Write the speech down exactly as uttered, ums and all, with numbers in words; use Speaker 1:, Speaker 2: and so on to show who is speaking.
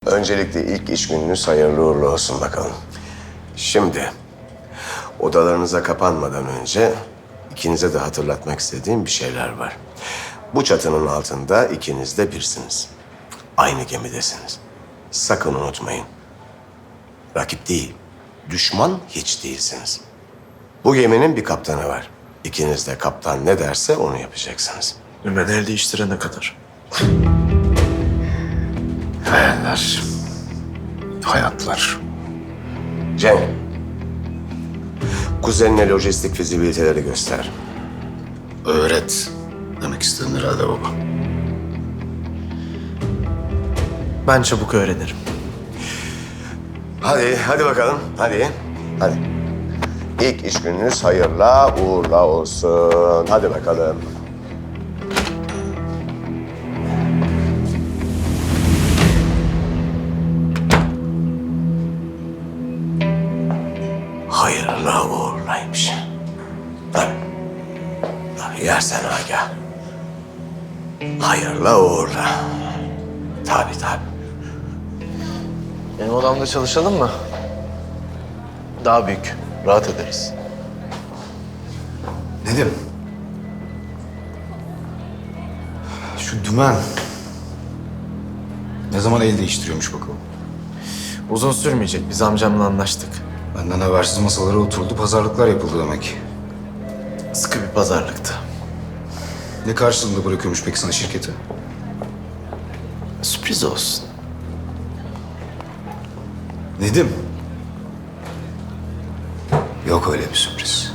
Speaker 1: Öncelikle ilk iş gününüz hayırlı uğurlu olsun bakalım. Şimdi odalarınıza kapanmadan önce ikinize de hatırlatmak istediğim bir şeyler var. Bu çatının altında ikiniz de birsiniz. Aynı gemidesiniz. Sakın unutmayın. Rakip değil, düşman hiç değilsiniz. Bu geminin bir kaptanı var. İkiniz de kaptan ne derse onu yapacaksınız.
Speaker 2: Ben el değiştirene kadar.
Speaker 3: Hayaller, hayatlar.
Speaker 1: Cenk, kuzenine lojistik fizibiliteleri göster.
Speaker 3: Öğret demek istedin herhalde baba.
Speaker 2: Ben çabuk öğrenirim.
Speaker 1: Hadi, hadi bakalım. Hadi, hadi. İlk iş gününüz hayırla uğurla olsun. Hadi bakalım. Hayırla uğurlaymış. Tabii. Tabii yersen Agah. Hayırla uğurla. Tabii tabii.
Speaker 2: Benim odamda çalışalım mı? Daha büyük. Rahat ederiz.
Speaker 3: Nedim? Şu dümen ne zaman el değiştiriyormuş bakalım?
Speaker 2: Uzun sürmeyecek. Biz amcamla anlaştık.
Speaker 3: Benden habersiz masalara oturuldu, pazarlıklar yapıldı demek.
Speaker 2: Sıkı bir pazarlıktı.
Speaker 3: Ne karşılığında bırakıyormuş peki sana şirketi?
Speaker 2: Sürpriz olsun.
Speaker 3: Nedim? Yok öyle bir sürpriz.